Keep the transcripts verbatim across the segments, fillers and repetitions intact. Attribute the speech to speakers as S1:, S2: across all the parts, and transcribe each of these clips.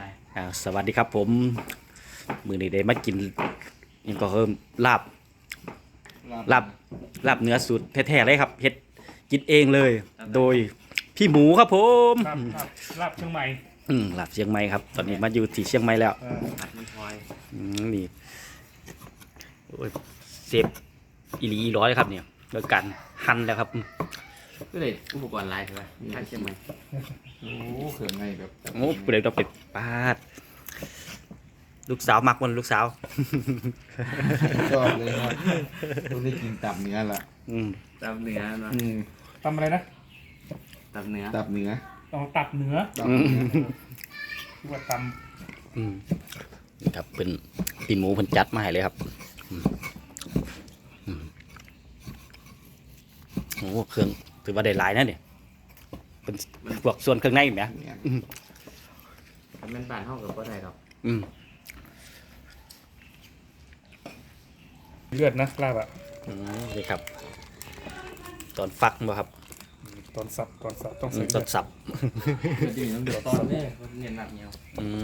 S1: อ่าสวัสดีครับผมมือนี้ได้มากินยังก็เพิ่มลาบลาบลาบเนื้อสูตรแท้ๆเลยครับเฮ็ดกินเองเลย โดยพี่หมูครับผม
S2: ลาบลาบลาบเชียงใหม่
S1: อืมลาบเชียงใหม่ครับ ตอนนี้มาอยู่ที่เชียงใหม่แล้ว
S2: เออ
S3: ผัดมันพลอย
S1: อืมนี่โอ้ยเซฟอีหลีอีร้อยครับเนี่ยโดยการหั่นแล้วครับ
S3: ก็เลยอุปกรณ์ลายใช่ไหมทางเชียงใหม่
S4: โอ้เขื่อนไงแบบ
S1: โอ้เปลือยต้องเป็ดปาดลูกสาวมักมันลูกสาว
S4: ชอบเลยครับต้องได้กินตับเนื้อละ
S1: อืม
S3: ตับเนื้อเนาะ
S4: อืม
S2: ตำอะไรนะ
S3: ตับเนื้อ
S4: ตับเนื้อ
S2: ต้องตับเนื้อ
S4: ตับเนื้อ
S2: ที่ว่าต
S1: อืมนี่ครับเป็นปีนหมูเพิ่นจัดมาให้เลยครับอืมอืมโอ้เครื่องถือว่าได้หลายนะเนี่ยเป็นพวกส่วนเครื่องในไหม
S4: เนี่ย
S3: ถ้าเป็นบ้านห้องกับก็ได้หรอก
S1: อืม
S2: ำเลือดนะลาบอ่ะ
S1: อืมนี่ครับ ตอนฟักบ่ครับ
S2: ตอนสับตอนสับต้อง
S1: อื
S2: ใส่
S1: มต
S2: เลื
S1: อ
S2: อน ด
S1: สับ
S4: จะดีน้ำเดือด
S3: ตอนนี้เน้นหนักเหนียว
S1: อืม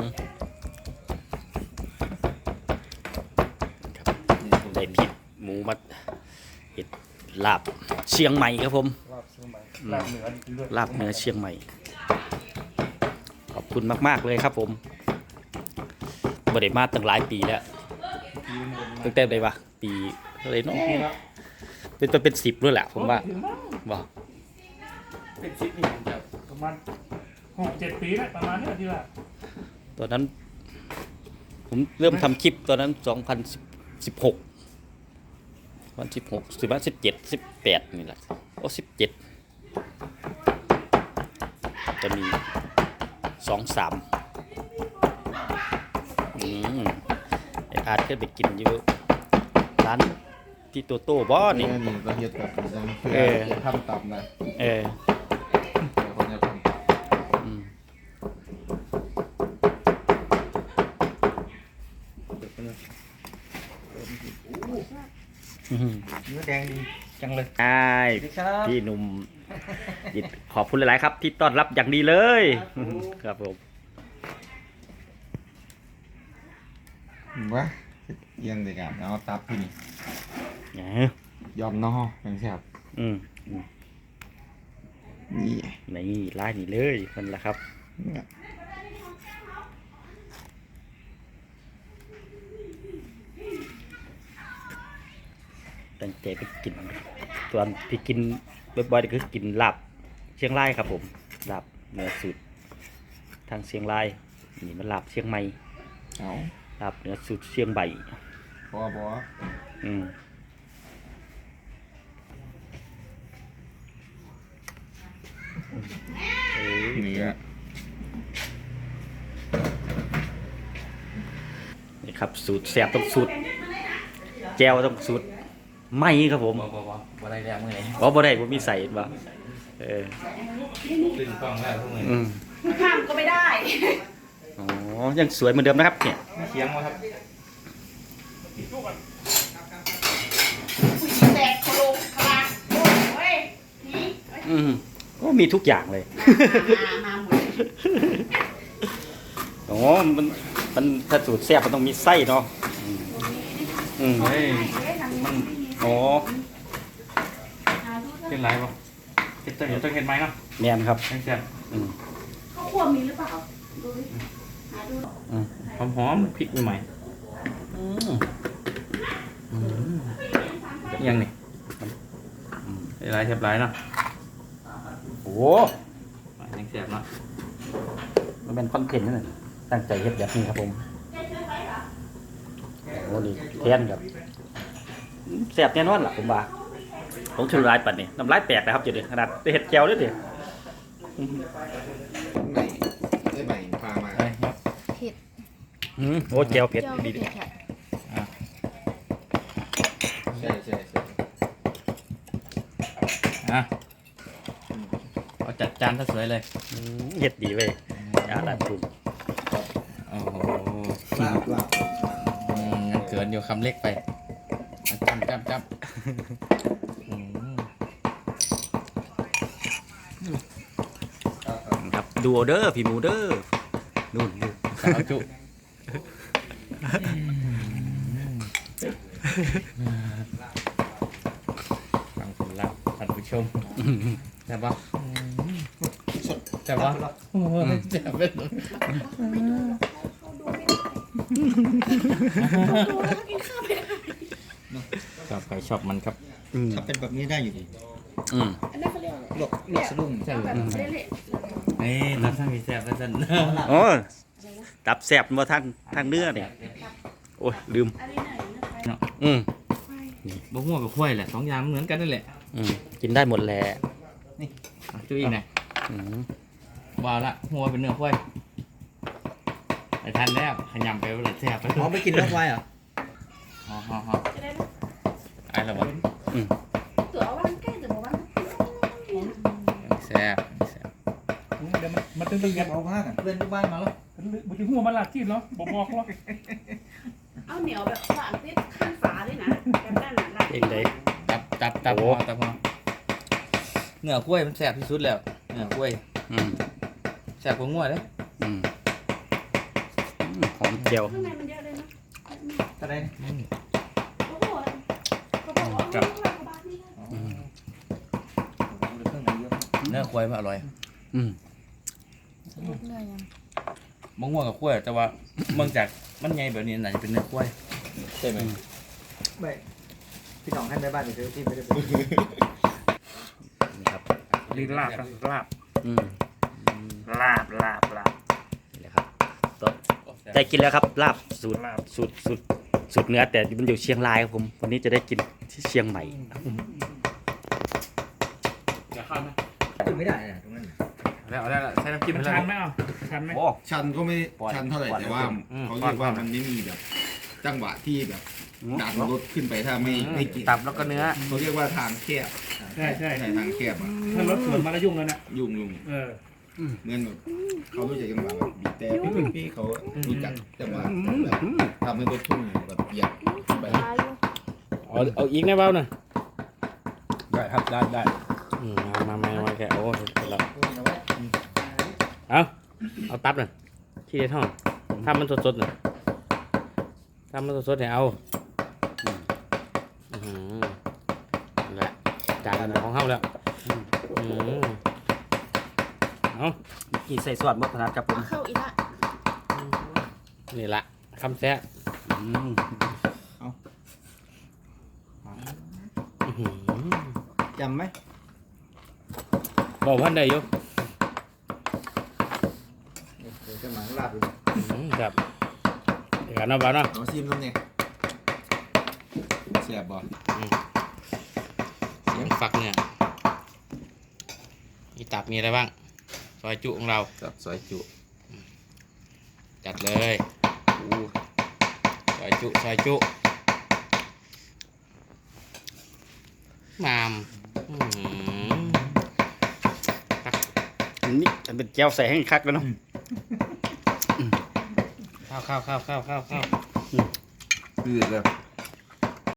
S1: ครับได้พริกหมูมาเห็ดลาบเชียงใหม่ครับผม
S2: ลาบเชียงใหม่ลาบเนื้อเลือด
S1: ลาบเนื้อเชียงใหม่ ขอบคุณมากๆเลยครับผมบริมาตั้งหลายปีแล้วตั้งแต่ได้ปะปีเท่าไหรเนาะ
S2: นี่ละ
S1: เป็นตัวเป็นสิบด้วยแหละผมว่า
S2: ถึงมั้ง
S1: บอก
S3: เป็นซิปนี่ผมจะ
S2: ประมาณหกเจ็ดปีแล้วประมาณนี้ที่ว่า
S1: ตอนนั้น ผมเริ่มทำคลิปตอนนั้นสองพันสิบหกวันสิบหกสิบวันสิบเจ็ดสิบแปดนี่แหละโอ้สิบเจ็ดจะมีสองสามอืมไอ้อาร์ตเคยไปกินอยู่ร้านที่โตโต้บ่
S4: นี่
S1: นี่
S4: นี่เราเฮ็ดแบบดังเพื่อ
S1: เออ
S4: จะทำตับนะ
S1: เออ
S4: เดี๋ยวคนจะทำตับ
S1: อืมอืม
S3: เนื้อแดงดีจังเลย
S1: ใช่
S3: สวัสดีครับ
S1: พี่หนุ่มยินขอบคุณหลาย ๆ ครับ ที่ต้อนรับอย่างดีเลย ครับผม
S4: วะเอียงเลยกันเอาตับที่นี่
S1: เนี่ย
S4: ยอมนอยังแซ่บ
S1: อืมอืม
S4: นี่
S1: นี่ไล่นี่เลยมันละครับ
S4: เนี่ย
S1: ตั้งใจไปกินส่วนที่กินบ่อยๆก็คือกินลาบเชียงรายครับผมลาบเนื้อสูตรทางเชียงรายนี่มันลาบเชียงใหม่
S4: เอา
S1: ลาบเนื้อสูตรเชียงใหม่
S4: พอพอ
S1: อืมเอ้ย
S4: เนื้อ
S1: นี่ครับสูตรแซ่บต้องสูตรแจ่วต้องสูตรไหม่ครับผม
S3: บ่บ่บ่บ่ได้แล้วเมื่อไหร่
S1: อ๋อบ่ได้บ่มีใส่บ่เออ
S3: ตื่นกล้องแล้วพวกมึง
S1: อืม
S5: ข้ามก็ไม่ได้
S1: อ๋อยังสวยเหมือนเดิมนะครับเนี่ย
S3: เคียงวะครับ
S5: ผู้หญิงแตกโคโลคลาโอ้ยนี่
S1: อืมก็มีทุกอย่างเลย
S5: มามาหมด
S1: อ๋อมันมันถ้าสูตรแซ่บมันต้องมีไส้เนาะอืมอืม
S3: เฮ้ย
S1: มันอ๋อ
S3: เป็นไรป่ะเห็ดตัวเห็ดตัวเห็ดไหมเนาะ
S1: แม่นครับ
S3: แซ่บ
S1: อืม
S5: ข้าวคั่วมีหรือเปล่าดูดิหาดู
S1: อืม
S3: หอมหอมๆพริกใหม่
S1: อืมอืม
S3: ๆยังนี่เป็นไรแซ่บไรเนาะ
S1: โอ้
S3: ยังแซ่บเนาะ
S1: มันเป็นคอนเทนต์นั่นน่ะตั้งใจเฮ็ดแบบนี้ครับผมโอ้นี่แทนครับแซ่บแน่นอนล่ะผมว่าผมถือลายปัดนี่น้ำลายแตกนะครับจุดนี้ขนาดไปเฮ็ดแก้วด้วยดิ
S4: ไหนได้ใบพามา
S3: เฮ้ยครับ
S1: อืมโอ้แก้วเผ็ดดีดิ
S4: ใช่ใช่ใช่
S3: อ่ะเอาจัดจานซะสวยเลย
S1: อืมเฮ็ดดีเว้ยอาลาดกลุ่ม
S3: โอ้โห
S4: ลาบลาบ
S3: อืมยังเกินอยู่คำเล็กไปอ่ะจับจับจับอืม
S1: ครับดูเอาเด้อพี่หมูเด้อนู่นดู
S3: สาวจุฟังผลลัพธ์ท่านผู้ชมแซ่บปะแซ่บปะโอ้โหแซ่บเป็น
S5: เขาดูไม่ได้เขาดูแล้วกินข้าวไม่ได้
S3: ชอบใครชอบมันครับ
S1: อืม
S4: ถ้าเป็นแบบนี้ได้อยู่ดี
S1: อืม
S5: อันนั้นเขาเรียกอะไร
S4: หลบหลบสะดุ้ง
S3: แซ่บ
S5: แบบเละ
S3: เอ้ยเราทั้งมีแซ่บแล้วท่าน
S1: โอ้ตับแซ่บบ่ท่านทางเนื้อเนี่ยโอ้ยลืม
S5: ๆอันนี้ไหนนะ
S1: อืม
S5: ไป
S3: บะม่วงกับข้วยแหละสองอย่างเหมือนกันนั่นแหละ
S1: อืมกินได้หมดแหละ
S3: อ่ะจุ้ยอีกหน่อย
S1: อืม
S3: ว้าวละหัวเป็นเนื้อข้วยไปทันแล้วขยำไปเลยแซ่บไป
S4: อ๋อไม่กินเนื้อควายเหรอ
S3: ฮ่าฮ่าฮ่า
S5: จะได้
S3: ไอ้ละวะ
S1: อืม
S5: ตัววันใกล้ตัววัน
S3: แซ่บแซ่บ
S2: เดี๋ยวมันมันตึงๆกัน
S4: เอาผ้ากันเพื่อนที่บ้านมาแล้ว
S2: บุตรหัวมันหลักที่เนาะบอกบอกหรอก
S5: เอาเหนียวแบบฝานติดข้างฝาด้วยนะแบบนั้นน่ะ
S1: เองได้
S3: ตับตับตับ
S1: โอ้
S3: พอตับพอเนื้อข้วยมันแซ่บที่สุดแล้วเนื้อข้วย
S1: อืม
S3: แซ่บกว่างัวเลย
S1: อืมอืมหอมเจียว
S5: ข้างในมันเยอะเลยนะ
S4: ตะได
S5: โอ้โหเขาบอกว่าเอาลูกหลานกระบาดนี่นะ
S1: อืม
S4: เครื่องในเยอะ
S3: เนื้อข้วยมันอร่อย
S1: อืม
S3: มะม่วงกับข้วยแต่ว่าเมืองจากมันใหญ่แบบนี้น่าจะเป็นเนื้อข้วย
S4: ใช่ไหมไม่พี่น้องให้แม่บ้านไปซื้อที่ไม่ได้ไป
S1: นี่ครับ
S2: ลีลาบนะลาบ
S1: อืม
S2: ลาบลาบลาบ
S1: นี่แหละครับต่อได้กินแล้วครับลาบสูตร
S2: ลาบ
S1: สูตรสูตรสูตรเนื้อแต่มันอยู่เชียงรายครับผมวันนี้จะได้กินที่เชียงใหม่
S3: จะข้ามไหม
S4: กินไม่ได้นะตรงนั้น
S3: แล้วเอาได้ละใช้น้ำจิ้ม
S2: มัน
S3: ให้
S2: ชั
S3: แล้
S2: น
S3: ว
S2: ไหมอ่ะชันไหม
S3: โอ้
S6: ชันก็ไม่
S3: ปล่อย
S6: ชันเท่าไหร่
S3: ปล่อย
S6: แต่ว่า
S3: อืม
S6: เขาเรียกว่า
S3: ปล่อย
S6: มันไม่มีแบบจังหวะที่แบบดันรถขึ้นไปถ้าไม่ไม่กิน
S3: ตับแล้วก็เนื้อ
S6: เขาเรียกว่าทางแคบ
S2: ใช่ใช่
S6: ใช่ทางแคบอ่ะ
S2: ถ้ารถสวนมาแล้วยุ่งแล้วนะ
S6: ยุ่งยุ่ง
S2: เออ
S6: เหมือนแบบเขารู้จักจังหวะแบบบีบแต่พี่พี่เขารู้จักจังหวะแบบทำให้รถพุ่งแบบเหยียบขึ้นไป
S3: เอาเอาอีกนะเบ้าหน่อยได้ครับได้ได้อืมมามามามาแกโอ้เสร็จแล้วเอาเอาตับหน่อยที่ได้ท่องถ้ามันสดๆหน่อยถ้ามันสดๆเนี่ยเอาอืมนั่นแหละจานของเฮาแล้วอืมเอา
S1: กินใส่ซอสมะขนาดครับผม
S5: เข้าอีกละ
S3: นี่ละคำแซ่บ
S1: อืม
S3: อื้อหือ
S4: จำไหม
S3: บอกพันได้อยู่
S4: เดี๋ยวจะหมาลาบดู
S3: อื้อหือครับเดี๋ยวกันเนาะบ่าวเนาะ
S6: เอาซิมแล้วเนี่ยแสบบ่
S3: เสียงฝักเนี่ยมีตับมีอะไรบ้างซอยจุของเรา
S6: กับซอยจุ
S3: จัดเลยอู้ซอยจุซอยจุมามอื้อหือตัก
S1: อันนี้จะเป็นแก้วใส่ให้คักแล้วเนาะ
S3: ข้าวข้าวข้าวข้าวข้าวข้าว
S6: คือแบบ